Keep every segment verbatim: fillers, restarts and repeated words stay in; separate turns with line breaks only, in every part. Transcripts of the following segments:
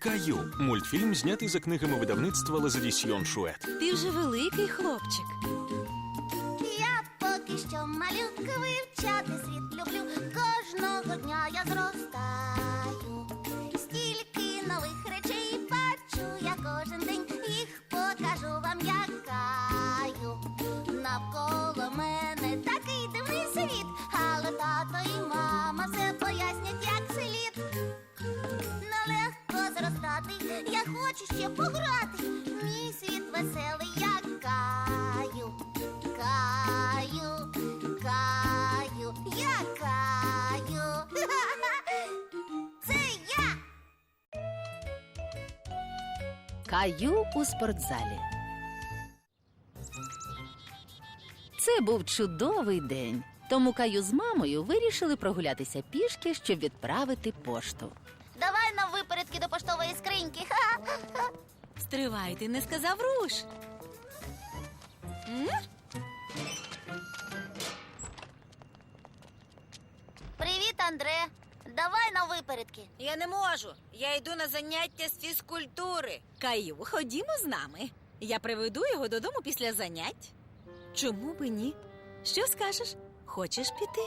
Каю. Мультфільм знятий за книгами видавництва Лазадісьйон Шует.
Ти вже великий хлопчик.
Я поки що малютка, вивчати світ люблю. Кожного дня я зростаю. Стільки нових речей бачу я кожен день. Їх покажу вам, як Каю. Навколо мене такий дивний світ, але тато і мама все пояснять, як слід. Нелегко зростати, я хочу ще пограти. Мій світ веселий, як Каю. Каю, Каю, я Каю. Це я.
Каю у спортзалі. Це був чудовий день. Тому Каю з мамою вирішили прогулятися пішки, щоб відправити пошту.
Давай нам випередки до поштової скриньки. Ха-ха-ха.
Стривай, ти не сказав руш. М?
Привіт, Андре. Давай нам випередки.
Я не можу. Я йду на заняття з фізкультури.
Каю, ходімо з нами. Я приведу його додому після занять. Чому би ні? Що скажеш? Хочеш піти?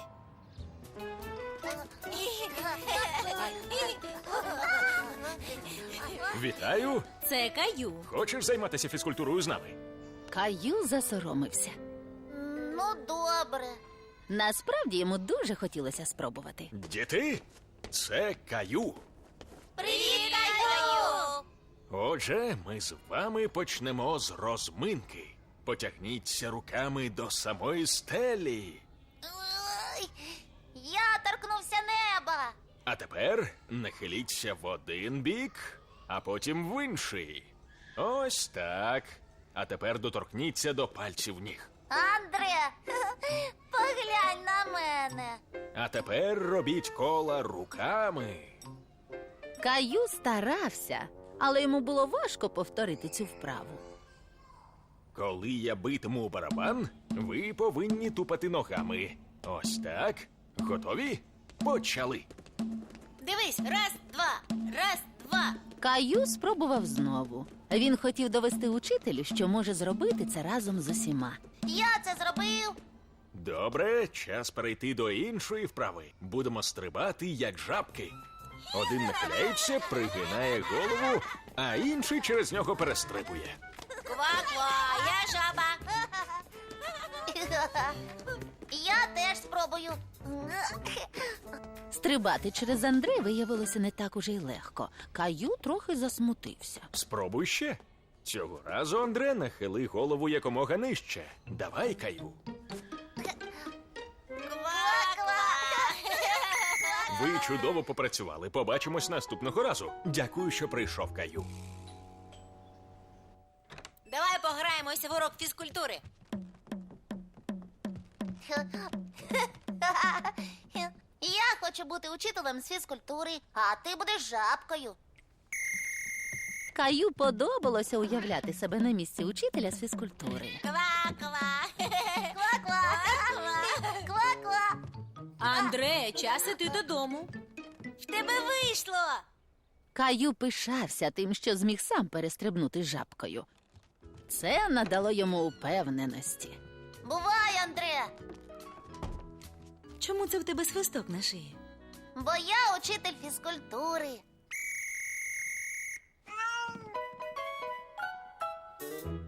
Вітаю!
Це Каю.
Хочеш займатися фізкультурою з нами?
Каю засоромився.
Ну, добре.
Насправді йому дуже хотілося спробувати.
Діти, це Каю.
Привіт, Каю!
Отже, ми з вами почнемо з розминки. Потягніться руками до самої стелі.
Ой, я торкнувся неба.
А тепер нахиліться в один бік, а потім в інший. Ось так. А тепер доторкніться до пальців ніг.
Андре, поглянь на мене.
А тепер робіть кола руками.
Каю старався, але йому було важко повторити цю вправу.
Коли я битиму у барабан, ви повинні тупати ногами. Ось так. Готові? Почали.
Дивись, раз, два, раз, два.
Каю спробував знову. Він хотів довести учителю, що може зробити це разом з усіма.
Я це зробив.
Добре, час перейти до іншої вправи. Будемо стрибати, як жабки. Один нахиляється, пригинає голову, а інший через нього перестрибує.
Ква-ква, я жаба.
Я теж спробую.
Стрибати через Андре виявилося не так уже й легко. Каю трохи засмутився.
Спробуй ще. Цього разу, Андре, нахили голову якомога нижче. Давай, Каю. Ви чудово попрацювали. Побачимось наступного разу. Дякую, що прийшов, Каю.
Давай пограємося в урок фізкультури.
Я хочу бути учителем з фізкультури, а ти будеш жабкою.
Каю подобалося уявляти себе на місці учителя з фізкультури.
Ква-ква.
Ква-ква. Ква-ква.
Андре, час іти додому.
В тебе вийшло.
Каю пишався тим, що зміг сам перестрибнути жабкою. Це надало йому упевненості.
Бувай, Андре,
Чому це в тебе свисток на шиї?
бо я учитель фізкультури.